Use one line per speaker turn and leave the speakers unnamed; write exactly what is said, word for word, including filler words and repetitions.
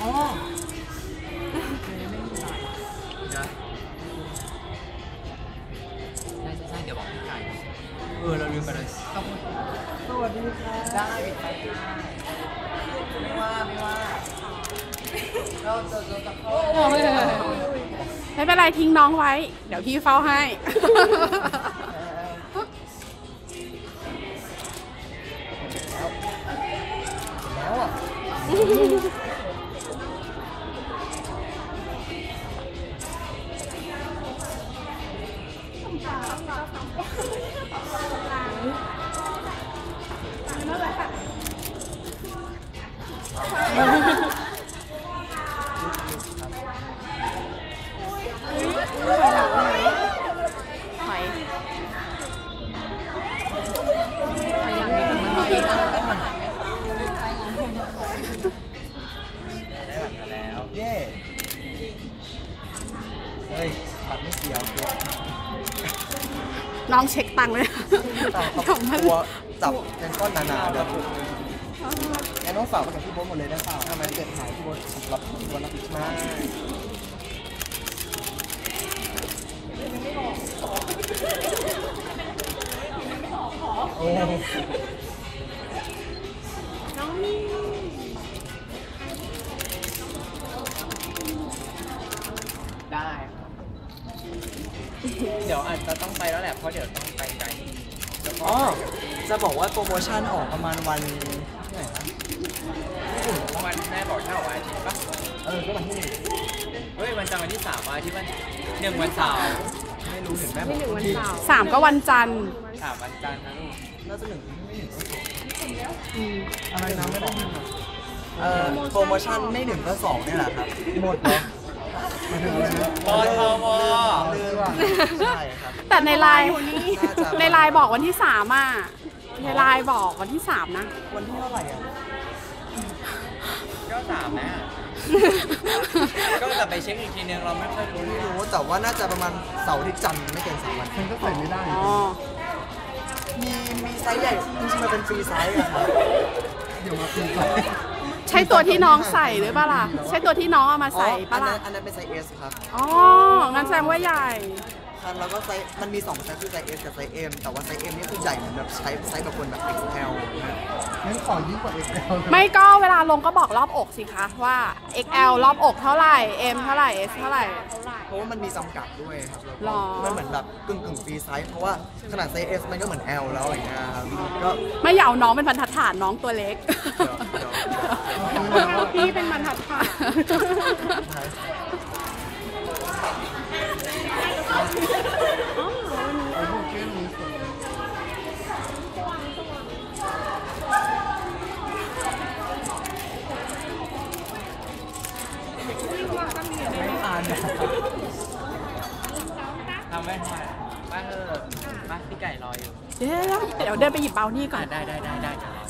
อ๋อใช่ใช่ใช่เดี๋ยวบอกพี่ไก่เออเราลืมไปเลยสวัสดีค่ะได้ไปได้ไม่ว่าไม่ว่าเราจะจะเข้า
ไม่เป็นไรทิ้งน้องไว้เดี๋ยวพี่เฝ้าให้
แล้วอ่ะ
ถอย
ได้บัตรมาแล้วเย้เฮ้ยบัตรไม่เกี่ยวเกี่ยว
น้องเช็คตังค์เลย
ของตัวจับเป็นก้อนหนาๆเลยแอนน้องฝากมากับพี่โบ๊ทหมดเลยได้เปล่าทำไมเกิดหายพี่โบ๊ทรับพี่โบ๊ทรับผิดมากโอ้
น้องนี่
ได้เดี๋ยวอาจจะต้องไปแล้วแหละเพราะเดี๋ยวต้องไปไกลอ๋อจะบอกว่าโปรโมชั่นออกประมาณวันที่ไหนนะวันแม่บอกเช่าวันอาทิตย์ปะเออก็วันที่หนึ่งเฮ้ยวันจันทร์วันที่สามวันอาทิตย์วันหนึ่งวันเสาร์ไม่รู้เห็นแม่บอกวันที่
สามก็วันจันทร์
สามวันจันทร์นะลูกน่าจะหนึ่งไม่หนึ่งก็สอง
อืม
อะไรนะไม่ได้ยินเอ่อโปรโมชั่นไม่หนึ่งก็สองนี่แหละครับหมดเลยปอทวใช่ครับ
แต่ในไลน์ในไลน์บอกวันที่สามอ่ะในไลน์บอกวันที่สามนะ
วันที่เท่าไหร่อ่ะก็สามนะก็จะไปเช็คอีกทีนึงเราไม่ค่อยรู้ไม่รู้แต่ว่าน่าจะประมาณเสาร์ที่จันทร์ไม่เกินสามวันมันก็ใส่ไม่ได้มีมีไซส์ใหญ่จริงๆมันเป็นฟรีไซส์อะครับเดี๋ยวมาฟรีไซส์
ใช่ตัวที่น้องใส่หรือเปล่าล่ะใช่ตัวที่น้องเอามาใส่ปะล่ะ
อันนั้นเป็นไซส์ S ครับ
อ๋องั้นแสดงว่าใหญ่
ครับแล้วก็ไซส์มันมีสองไซส์คือไซส์ S กับไซส์ M แต่ว่าไซส์ M นี่คือใหญ่เหมือนแบบใช้ไซส์แบบคนแบบ เอ็กซ์ แอล งั้นขอยิ่งกว่า เอ็กซ์ แอล
ไม่ก็เวลาลงก็บอกรอบอกสิคะว่า เอ็กซ์ แอล รอบอกเท่าไหร่ M เท่าไหร่ S เท่าไหร่
เพราะว่ามันมีจำกัดด้วยครับมันเหมือนแบบกึ่งกึ่งฟรีไซส์เพราะว่าขนาดไซส์ S มันก็เหมือน L แล้วอย่างเงี้ยครับก็
ไม่อยากเอาน้องเป็นบรรทัดฐานน้องตัวเล็กพี่เป็นบรรทัดฐาน
ทำไม่ได้มาเถอะมาพี่ไก่รออยู่
เดี๋ยวเดี๋ยวเดินไปหยิบเบานี่ก่อน
ได้ได้ได้ได้